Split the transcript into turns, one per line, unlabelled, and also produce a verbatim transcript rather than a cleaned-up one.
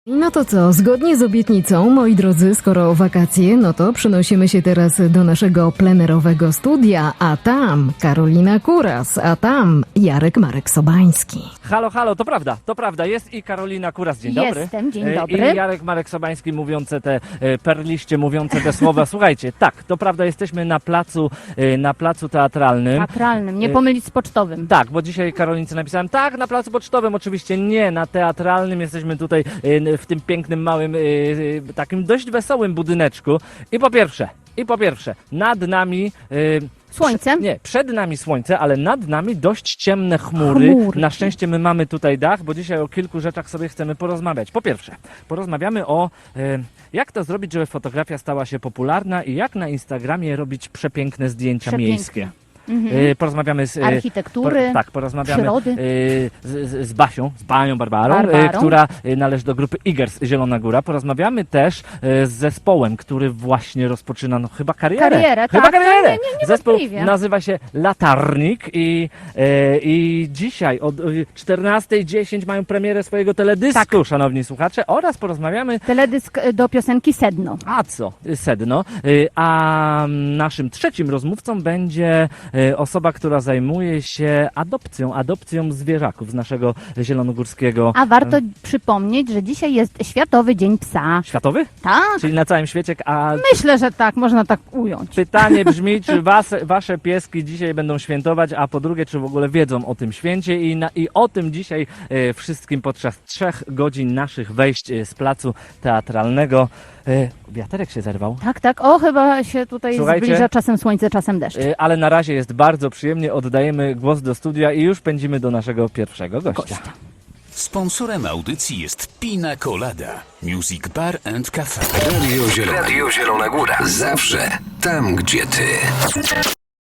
No to co, zgodnie z obietnicą, moi drodzy, skoro wakacje, no to przenosimy się teraz do naszego plenerowego studia, a tam Karolina Kuras, a tam Jarek Marek Sobański.
Halo, halo, to prawda, to prawda, jest i Karolina Kuras, dzień dobry.
Jestem, dzień
E,
dobry.
I Jarek Marek Sobański mówiące te e, perliście, mówiące te słowa. Słuchajcie, tak, to prawda, jesteśmy na placu, e, na placu teatralnym.
Teatralnym, nie
Y-
pomylić z pocztowym.
Tak, bo dzisiaj Karolince napisałem, tak, na placu pocztowym, oczywiście nie, na teatralnym. Jesteśmy tutaj e, w tym pięknym, małym, e, e, takim dość wesołym budyneczku. I po pierwsze, i po pierwsze, nad nami... e,
Słońce?
Prze- nie, przed nami słońce, ale nad nami dość ciemne chmury.
Chmurki.
Na szczęście my mamy tutaj dach, bo dzisiaj o kilku rzeczach sobie chcemy porozmawiać. Po pierwsze, porozmawiamy o e, jak to zrobić, żeby fotografia stała się popularna i jak na Instagramie robić przepiękne zdjęcia
Przepiękne.
miejskie.
Mhm.
E, porozmawiamy z... e,
Architektury,
por- tak, porozmawiamy
przyrody.
e, z, z, z Basią, z Banią Barbarą, e,
Barbarą.
która e, należy do grupy Igers Zielona Góra. Porozmawiamy też e, z zespołem, który właśnie rozpoczyna no, chyba karierę.
Karierę,
chyba
tak,
karierę.
nie, nie,
Zespół
niewątpliwie.
nazywa się Latarnik i, e, i dzisiaj od czternasta dziesięć mają premierę swojego teledysku,
Tak.
szanowni słuchacze, oraz porozmawiamy
Teledysk y, do piosenki Sedno.
a co? Sedno. Y, A naszym trzecim rozmówcą będzie y, osoba, która zajmuje się adopcją, adopcją zwierzaków z naszego zielonogórskiego...
A warto przypomnieć, że dzisiaj jest Światowy Dzień Psa.
Światowy?
Tak,
Czyli na całym świecie, a
myślę, że tak, można tak ująć.
pytanie brzmi, czy was, wasze pieski dzisiaj będą świętować, a po drugie, czy w ogóle wiedzą o tym święcie i, na, i o tym dzisiaj e, wszystkim podczas trzech godzin naszych wejść e, z placu teatralnego. E, wiaterek się zerwał.
Tak, tak, o chyba się tutaj
Słuchajcie.
zbliża czasem słońce, czasem deszcz.
E, ale na razie jest bardzo przyjemnie, oddajemy głos do studia i już pędzimy do naszego pierwszego gościa.
Gościa.
Sponsorem audycji jest Pina Colada, Music Bar and Cafe. Radio Zielona,
Radio Zielona Góra. Zawsze tam, gdzie ty.